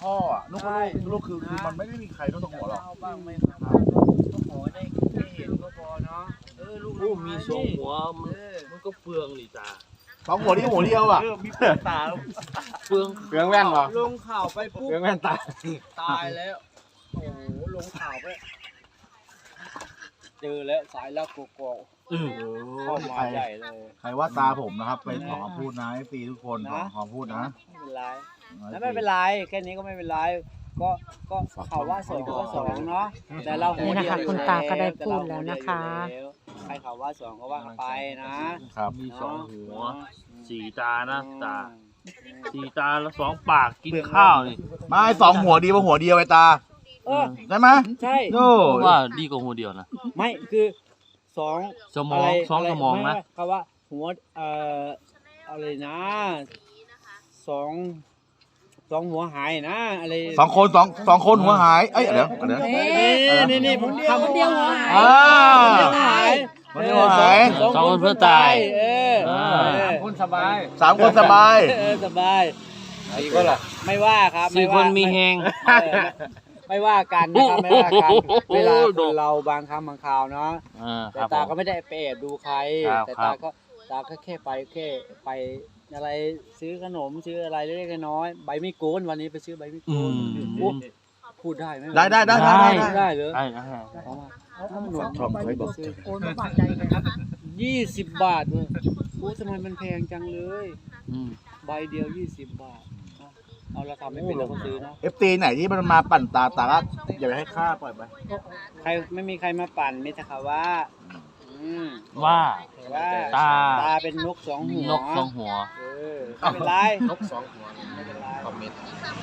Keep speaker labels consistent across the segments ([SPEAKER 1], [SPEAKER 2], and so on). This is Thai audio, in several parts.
[SPEAKER 1] พ่ออ่ะลูกลูกคือมันไม่ได้มีใครต้องตกหัวหรอก
[SPEAKER 2] เอาบ้างไม่เอาบ้างก็ขอได้เห็นก็พอเนาะลูก
[SPEAKER 3] โอ้มีสองหัวมันก็เฟืองนี่จ้า
[SPEAKER 1] สองหัวนี่หัวเดียวอ่ะ
[SPEAKER 2] มีเปลือกตา
[SPEAKER 3] เฟือง
[SPEAKER 1] เปลืองแว่นเหรอ
[SPEAKER 2] ลงข่าวไปปุ๊บ
[SPEAKER 1] เปลืองแว่นตา
[SPEAKER 2] ตายแล้วโอ้โหลงข่าวไปเจอแล้วสายลักกอกเข้ามาใหญ่เลย
[SPEAKER 1] ใครว่าตาผมนะครับไปขอพูดนะให้ตีทุกคนขอพูดนะ
[SPEAKER 2] ไม่เป็นไรแล้วไม่เป็นไรแค่นี้ก็ไม่เป็นไรก็เขาว่าสองก็สองเนาะแต่เราหัว
[SPEAKER 4] นี่
[SPEAKER 2] เดี
[SPEAKER 4] นะ
[SPEAKER 2] ยว
[SPEAKER 4] คะคุณตาก็ได้พูดแล้วนะคะ
[SPEAKER 2] ใครเขาว่าสองก็ว่าไปนะครับ
[SPEAKER 3] มีสองหัวสี่ตานะตาสี่ตาแล้วสองปากกินข้าวนี่
[SPEAKER 1] ไม่สองหัวดีกว่าหัวเดียวไอ้ตาใช่ไหม
[SPEAKER 2] ใช่
[SPEAKER 1] โน่
[SPEAKER 3] ว่าดีกว่าหัวเดียวนะ
[SPEAKER 2] ไม่คือสอง
[SPEAKER 3] สมองสองสมองนะ
[SPEAKER 2] คำว่าหัวอะไรนะสองหัวหายนะอะไร
[SPEAKER 1] สองคนหัวหายเอ้ยเดี๋ยว
[SPEAKER 2] นี่ผมเดียวหัวหาย
[SPEAKER 1] อ่า
[SPEAKER 2] หาย
[SPEAKER 1] หัวหาย
[SPEAKER 3] สองคนเพื่อตาย
[SPEAKER 2] คนสบาย
[SPEAKER 1] สามคนสบาย
[SPEAKER 2] สบายสี่คนล่ะไม่ว่าครับ
[SPEAKER 3] สี่คนมีแหง
[SPEAKER 2] ไม่ว่ากันนะครับไม่ว่ากันเวลาคนเราบางครั้งบางคราวเนาะ
[SPEAKER 3] ค
[SPEAKER 2] แต่
[SPEAKER 3] รับ
[SPEAKER 2] ตาก็ไม่ได้ไปแอบดูใคร
[SPEAKER 3] ครับ
[SPEAKER 2] แต่ตาก็แค่ไปอะไรซื้อขนมซื้ออะไรเล็กๆน้อยๆใบมีโกนวันนี้ไปซื้อใบมีโกนโอ้พูดได้ไหม
[SPEAKER 1] ได้
[SPEAKER 2] ได้เลย
[SPEAKER 3] ได้
[SPEAKER 2] เอามา
[SPEAKER 1] ทอมเคยบอก
[SPEAKER 4] โอนมาบาทใจกันครับ
[SPEAKER 2] 20 บาทเลยโอ้ทำไมมันแพงจังเลยใบเดียว20 บาทเอาเราทำไม่เป็นเราก็ซื้อนะ
[SPEAKER 1] เอฟตีไหนที่มันมาปั่นตาก็อย่าไปให้ค่าปล่อยไป
[SPEAKER 2] ใครไม่มีใครมาปั่นมิตรค่ะว่า
[SPEAKER 3] ว่า
[SPEAKER 2] ว่า
[SPEAKER 3] ตา
[SPEAKER 2] ตาเป็นนกสองหัวน
[SPEAKER 3] กสองหัว
[SPEAKER 2] ไม่เป็นไร
[SPEAKER 1] นกสองหัว
[SPEAKER 2] ไม่เป็นไร
[SPEAKER 1] คอมเมนต์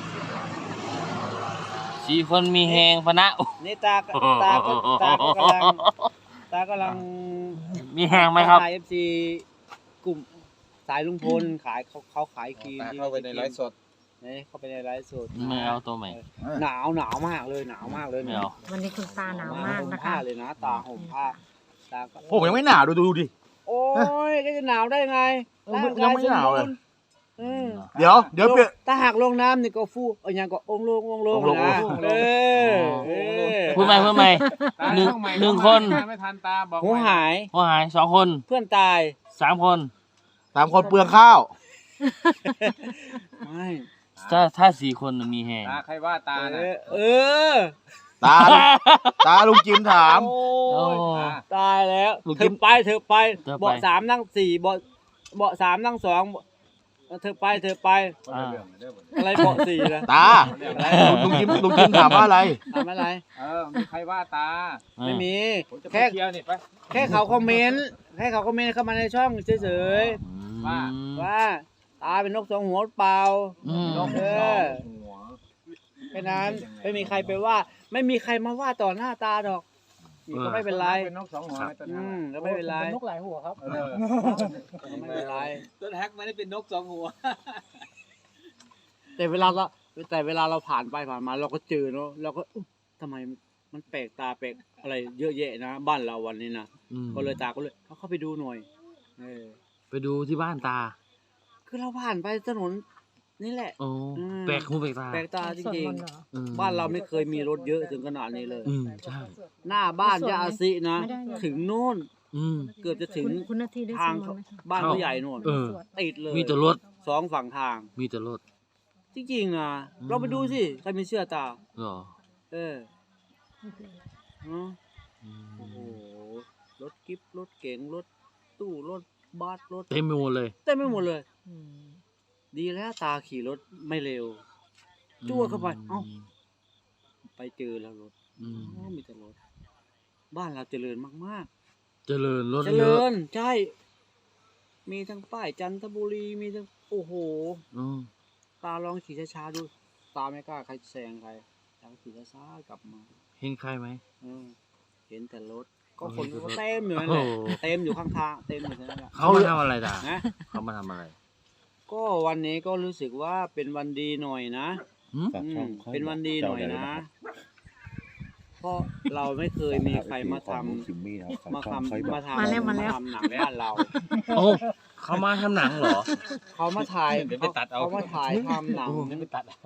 [SPEAKER 3] สี่คนมีแหงพะนะ
[SPEAKER 2] นี่ตากำลัง
[SPEAKER 3] มีแหงไหมครับ
[SPEAKER 2] ขาย FC กลุ่มสายลุงพลขายเขาขายครีม
[SPEAKER 5] เข้าไปในไลฟ์สด
[SPEAKER 2] นี่เข้าไปในไลฟ์สด
[SPEAKER 3] ไม่เอาตัวใหม่
[SPEAKER 2] หนาวมากเลยหนาวมากเลย
[SPEAKER 3] ไม่เอา
[SPEAKER 4] วันนี้คุณตาหนาวมาก
[SPEAKER 2] ห่ม
[SPEAKER 4] นะ
[SPEAKER 2] ผ้า
[SPEAKER 4] คะ
[SPEAKER 2] เลยนะตาห่มผ้าตาก็
[SPEAKER 1] ผมยังไม่หนาวดูดิ
[SPEAKER 2] โอ้ยก็จะหนาวได้ไง
[SPEAKER 1] ยังไม่หนาวเลย
[SPEAKER 2] เดี๋ยว
[SPEAKER 1] เดี๋ยวเปลี่ยน
[SPEAKER 2] ถ้าหากลงน้ำนี่ก็ฟูอย่างก็องลงนะ
[SPEAKER 3] พูดใหม่หนึ่งคน
[SPEAKER 5] ไม่ทันตาบอก
[SPEAKER 2] หัวหาย
[SPEAKER 3] หัวหายสองคน
[SPEAKER 2] เพื่อนตาย
[SPEAKER 3] สามคน
[SPEAKER 1] 3 คนเปลืองข้าว
[SPEAKER 2] ไม่
[SPEAKER 3] ถ้าสี่คนมีแหง
[SPEAKER 5] ตาใครว่าตาน่ะ
[SPEAKER 1] ตาลุงจิมถาม
[SPEAKER 2] โอ้ยตายแล้ว
[SPEAKER 1] ลูก
[SPEAKER 2] เธ
[SPEAKER 1] จิ๊
[SPEAKER 2] อบ ไปเบาะ3นั่ง4เบาะ3นั่ง2เธอไปอะไรเบาะ4นะ
[SPEAKER 1] ตาลุงจิมถามว่าอะไร
[SPEAKER 2] ทำอะไร
[SPEAKER 5] มีใครว่าตา
[SPEAKER 2] ไม่มี
[SPEAKER 5] ผมจะไป
[SPEAKER 2] แค่
[SPEAKER 5] เที่ยวนี่ไป
[SPEAKER 2] แค่เขาคอมเมนต์เข้ามาในช่องเฉยๆว่าตาเป็นนกสองหัวเปล่า
[SPEAKER 5] นก
[SPEAKER 2] เอ
[SPEAKER 5] สอ
[SPEAKER 2] อ
[SPEAKER 5] งหัว
[SPEAKER 2] แค่นั้นไม่มีใครไปว่า ไม่มีใครมาว่าต่อหน้าตาดอกก็ไม่เป็นไร
[SPEAKER 5] เป็นนกสองหัวไอ้ตัวนั้น
[SPEAKER 2] ก็ไม่เป็นไร
[SPEAKER 4] นกหลายหัวครับ
[SPEAKER 2] ไม่เป็นไร
[SPEAKER 5] ต้นแฮกไม่ได้เป็นนกสองหัว
[SPEAKER 2] แต่เวลาเราผ่านไปผ่านมาเราก็เจอเนาะเราก็ทำไมมันแปลกตาแปลกอะไรเยอะแยะนะบ้านเราวันนี้นะก็เลยตาก็เลยเข้าไปดูหน่อย
[SPEAKER 3] ไปดูที่บ้านตา
[SPEAKER 2] คือเราผ่านไปถนนนี่แหละ
[SPEAKER 3] โอ้แปลกหูแปลกตา
[SPEAKER 2] แปลกตาจริงๆบ้านเราไม่เคยมีรถเยอะถึงขนาดนี้เลย
[SPEAKER 3] ใช่
[SPEAKER 2] หน้าบ้านยาอาซินะถึงโน่นเกือบจะถึง
[SPEAKER 4] คุณนาทีได้
[SPEAKER 2] ทาง
[SPEAKER 4] สวดไหมคะ
[SPEAKER 2] บ้านผู้ใหญ่โน่นติดเลย
[SPEAKER 3] มีแต่รถ
[SPEAKER 2] 2 ฝั่งทาง
[SPEAKER 3] มีแต่รถ
[SPEAKER 2] จริงๆนะเราไปดูสิใครไม่เชื่อตา
[SPEAKER 3] เหรอ
[SPEAKER 2] เนาะโอ้โหรถกิ๊บรถเก๋งรถตู้รถบัสรถ
[SPEAKER 3] เต็มไปหมดเลย
[SPEAKER 2] เต็มไปหมดเลย ดีแล้วตาขี่รถไม่เร็วจ้วเข้าไปไปเจอแล้วรถมีแต่รถบ้านเราเจริญมากๆ
[SPEAKER 3] เจริญรถ
[SPEAKER 2] เจ
[SPEAKER 3] เย
[SPEAKER 2] ริ
[SPEAKER 3] อะ
[SPEAKER 2] ญใช่ มีทั้งป้ายจันทบุรีมีทั้งโอ้โหตาลองขี่ช้าๆดูตาไม่กล้าใครแซงใครตาขี่ช้าๆกลับมา
[SPEAKER 3] เห็นใครไหม
[SPEAKER 2] เห็นแต่รถก็คนก็เต็มอยู่นั่นแหละเต็มอยู่ข้างทางเต็มอยู่นั่นแหละ
[SPEAKER 3] เขามาทำอะไรตา
[SPEAKER 2] นะ
[SPEAKER 3] เขามาทำอะไร
[SPEAKER 2] ก็วันนี้ก็รู้สึกว่าเป็นวันดีหน่อยนะเป็นวันดีหน่อยนะเพราะเราไม่เคยมีใครมาทำหนังบ้านเรา
[SPEAKER 3] โอ้เขามาทำหนังเหรอ
[SPEAKER 2] เขามาถ่ายเขามาถ่ายทำหนัง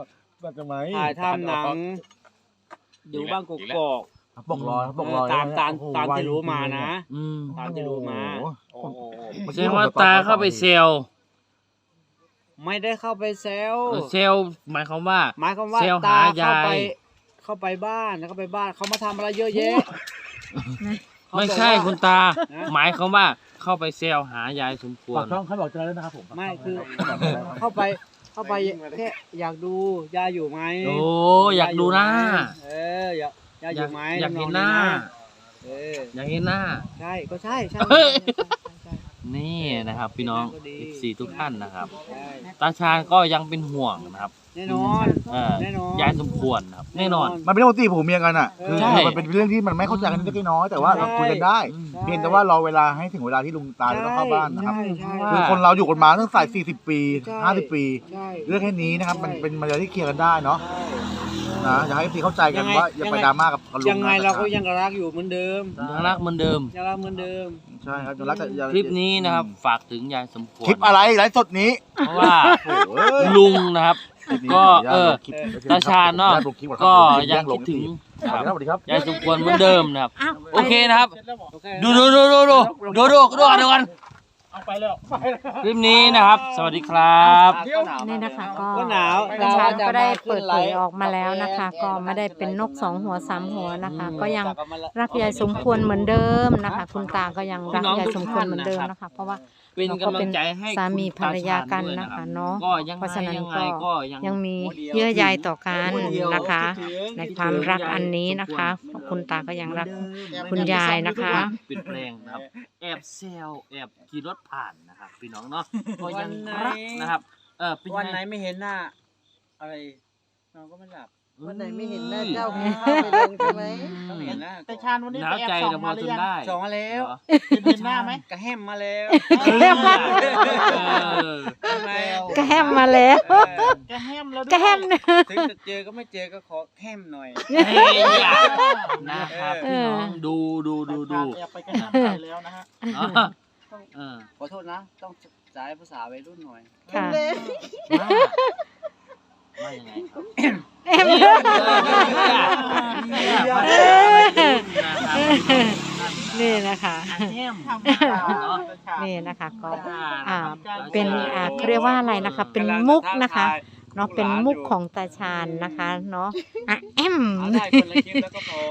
[SPEAKER 1] ก็จะไหม
[SPEAKER 2] ถ่ายทำหนังอยู่บ้านกกอก
[SPEAKER 1] ปกรอยปกรอย
[SPEAKER 2] ตามที่รู้มานะ ตามที่รู้มา
[SPEAKER 1] โอ้โห
[SPEAKER 3] แสดงว่าตาเข้าไปเซล
[SPEAKER 2] ไม่ได้เข้าไปแซว
[SPEAKER 3] เซลหมายความว่า
[SPEAKER 2] หมายความว่า
[SPEAKER 3] เซล
[SPEAKER 2] ตา
[SPEAKER 3] หายาย
[SPEAKER 2] เข้าไปบ้านเข้าไปบ้านเขามาทำอะไรเยอะแยะ
[SPEAKER 3] ไม่ใช่คุณตา
[SPEAKER 2] นะ
[SPEAKER 3] หมายความว่าเข้าไปเซลหายายสมควร
[SPEAKER 1] ฝากช่องเขาบอกเจอแล้วนะครับผม
[SPEAKER 2] ไม่คือเข้าไปแค่อยากดูยายอยู่ไหม
[SPEAKER 3] โอ้อยากดูหน้า
[SPEAKER 2] อยากยายอยู่ไหม
[SPEAKER 3] อยากเห็นหน้า
[SPEAKER 2] เออ
[SPEAKER 3] อยากเห็นหน้า
[SPEAKER 2] ใช่ก็ใช่ใช่
[SPEAKER 3] เฮ้ย
[SPEAKER 2] ใช่
[SPEAKER 3] นี่นะครับ พี่น้อง14ทุกท่านนะครับ
[SPEAKER 2] ใช่
[SPEAKER 3] ตาชาญก็ยังเป็นห่วงนะครับ
[SPEAKER 2] แน่นอน แน่นอน
[SPEAKER 3] ยายสมควรนะครับแน่นอน
[SPEAKER 1] มันเป็นเรื่องปกติผมเมียกันอ่ะคือ
[SPEAKER 3] ใช่
[SPEAKER 1] มันเป็นเรื่องที่มันไม่เข้าใจกันเล็กน้อยแต่ว่าเราคุยกันได้ เพียงแต่ว่ารอเวลาให้ถึงเวลาที่ลุงตาจะต้องเข้าบ้านนะครับ
[SPEAKER 2] ใช่ใช่
[SPEAKER 1] คือคนเราอยู่กันมาตั้งแต่40 ปี
[SPEAKER 2] ใช่
[SPEAKER 1] 50 ปี
[SPEAKER 2] ใช่
[SPEAKER 1] เรื่องแค่นี้นะครับ มัน
[SPEAKER 2] ใช่
[SPEAKER 1] เป็นมาเรื่องที่เคลียร์กันได้เนาะ
[SPEAKER 2] ใช่
[SPEAKER 1] นะอยากให้พี่เข้าใจกัน
[SPEAKER 2] ยังไง
[SPEAKER 1] ว่าอย่าไปดราม่ากับลุง
[SPEAKER 2] ยังไงเราก็ยังรักอยู่เหมือนเดิม
[SPEAKER 3] ยังรักเหมือนเดิม
[SPEAKER 2] ยังรักเหมือนเดิม
[SPEAKER 1] ใช่ครับยังรักกันอย่า
[SPEAKER 3] คลิปนี้นะครับ ฝากถึงยายสมควร
[SPEAKER 1] คลิปอะไรไลฟ์สดนี้
[SPEAKER 3] เพราะว่า
[SPEAKER 1] โอ้ย
[SPEAKER 3] ลุงนะครับ ก็
[SPEAKER 1] คลิป
[SPEAKER 3] ตาชาญเนาะ
[SPEAKER 1] ลงคลิปอนรับ
[SPEAKER 3] ก็
[SPEAKER 1] เดี๋ว
[SPEAKER 3] ยังคิดถึง
[SPEAKER 1] สวัสดีครับ
[SPEAKER 3] ยายสมควรเหมือนเดิมนะครับ
[SPEAKER 4] อ้าว
[SPEAKER 3] โอเคนะครับ
[SPEAKER 2] โอเค
[SPEAKER 3] ดูกันคลิปนี้นะครับ สวัสดีครับ
[SPEAKER 4] นี่นะคะก็
[SPEAKER 2] ก็หนาว
[SPEAKER 4] ประชาก็ได้เปิดเผยออกมาแล้วนะคะ ก็ไม่ได้เป็นนก2 หัว 3 หัวนะคะ ก็ยังรักยายสมควรเหมือนเดิมนะคะ คุณตาก็ยังรักยายสมควรเหมือนเดิมนะคะ เพราะว่า
[SPEAKER 3] เป็นกำลังใจให้
[SPEAKER 4] สามี
[SPEAKER 3] คุณ
[SPEAKER 4] ภรรยากัน
[SPEAKER 3] ตชญ
[SPEAKER 4] นะคะ
[SPEAKER 3] ด้วย
[SPEAKER 4] เนาะ
[SPEAKER 3] ก็ยัง
[SPEAKER 4] เพราะฉะนั้น
[SPEAKER 3] ไง
[SPEAKER 4] ก็ ยังมีเยื่อใยต่อกันนะคะ ในความรักอันนี้นะคะคุณตาก็ยังรัก คุณยายนะคะ
[SPEAKER 3] เปลี่ยนแปลงนะครับ แอบเซลแอบขี่รถผ่านนะครับพี่น้องเนาะก็ยังรักนะครับเป็น
[SPEAKER 2] วัน
[SPEAKER 3] ไง
[SPEAKER 2] ไหนไม่เห็นหน้า อะไรนอนก็ไม่หลับ
[SPEAKER 6] วันไหนไม่เห็นหน้าเจ้ากินข้าวไปลงใช่ไหม
[SPEAKER 2] ต้องเห็นหน้า
[SPEAKER 5] แต่ชาญวันนี้
[SPEAKER 3] หนา
[SPEAKER 5] ไป
[SPEAKER 3] ว
[SPEAKER 5] แอบ
[SPEAKER 3] ใจ
[SPEAKER 5] ส่อง
[SPEAKER 3] เราพ
[SPEAKER 5] มา
[SPEAKER 3] อ
[SPEAKER 5] หรื
[SPEAKER 3] จ
[SPEAKER 5] อน ยัง
[SPEAKER 3] ได้
[SPEAKER 2] ส่งมาแล้ว
[SPEAKER 3] เหรอ
[SPEAKER 5] เห็นหน้าไหม
[SPEAKER 2] กระแฮมมาแล้ว
[SPEAKER 3] เออ
[SPEAKER 2] ใช่ไหม
[SPEAKER 4] ก็แฮมมาแล้ว
[SPEAKER 5] แกแฮมแล้วด้วย
[SPEAKER 4] ก็แฮมเนี่ย
[SPEAKER 2] ถึงจะเจอก็ไม่เจอก็ขอแฮมหน่อย
[SPEAKER 3] เฮ้ยอย่านะครับพี่น้องดู
[SPEAKER 5] แอบไปแกแฮมไปแล้วนะฮะ
[SPEAKER 3] อ๋อเออ
[SPEAKER 2] ขอโทษนะ ต้องใช้ภาษาวัยรุ่นหน่อย
[SPEAKER 4] ค่ะ
[SPEAKER 3] ว่ายังไงครับ
[SPEAKER 4] แฮม นี่นะคะ นี่นะคะก็เป็นเขาเรียกว่าอะไรนะคะ เป็นมุกนะคะเนาะเป็นมุกของตาชาญนะคะเนาะแอม
[SPEAKER 2] เอาได้คนละคลิปแล้วก็พอ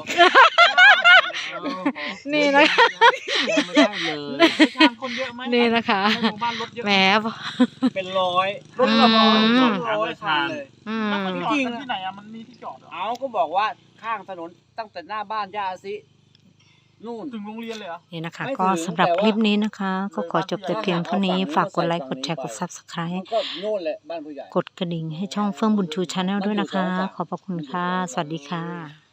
[SPEAKER 4] นี่นะคะ
[SPEAKER 3] ไม่ได้เลย
[SPEAKER 5] ชาญคนเยอะไหม
[SPEAKER 4] นี่นะคะ
[SPEAKER 5] ในหมู่บ้านรถเยอะ
[SPEAKER 4] แหม
[SPEAKER 2] เป็นร้อย
[SPEAKER 5] รถละร้อย
[SPEAKER 4] อืม
[SPEAKER 2] ร้อยคันเลย
[SPEAKER 4] อืม
[SPEAKER 5] แล้วมันจอดกันที่ไหนอะมันมีที่จอดเหรอ
[SPEAKER 2] เอาก็บอกว่าข้างถนนตั้งแต่หน้าบ้านย่าซินู่น
[SPEAKER 5] ถึงโรงเรียนเลยเหรอ
[SPEAKER 4] นี่นะคะ
[SPEAKER 2] ไม่ถึง
[SPEAKER 4] ก็สำหรับ
[SPEAKER 2] แต่ว่า
[SPEAKER 4] คลิปนี้นะคะ ก็ขอจบแต่เพียงเท่านี้ ฝากกดไลค์กดแชร์กด Subscribe
[SPEAKER 2] มันก็โน่นแหละบ้านผู้ใหญ่
[SPEAKER 4] กดกระดิ่งให้ช่องเฟื่องบุญชูชาแนลด้วยนะคะ ขอบพระคุณค่ะ สวัสดีค่ะ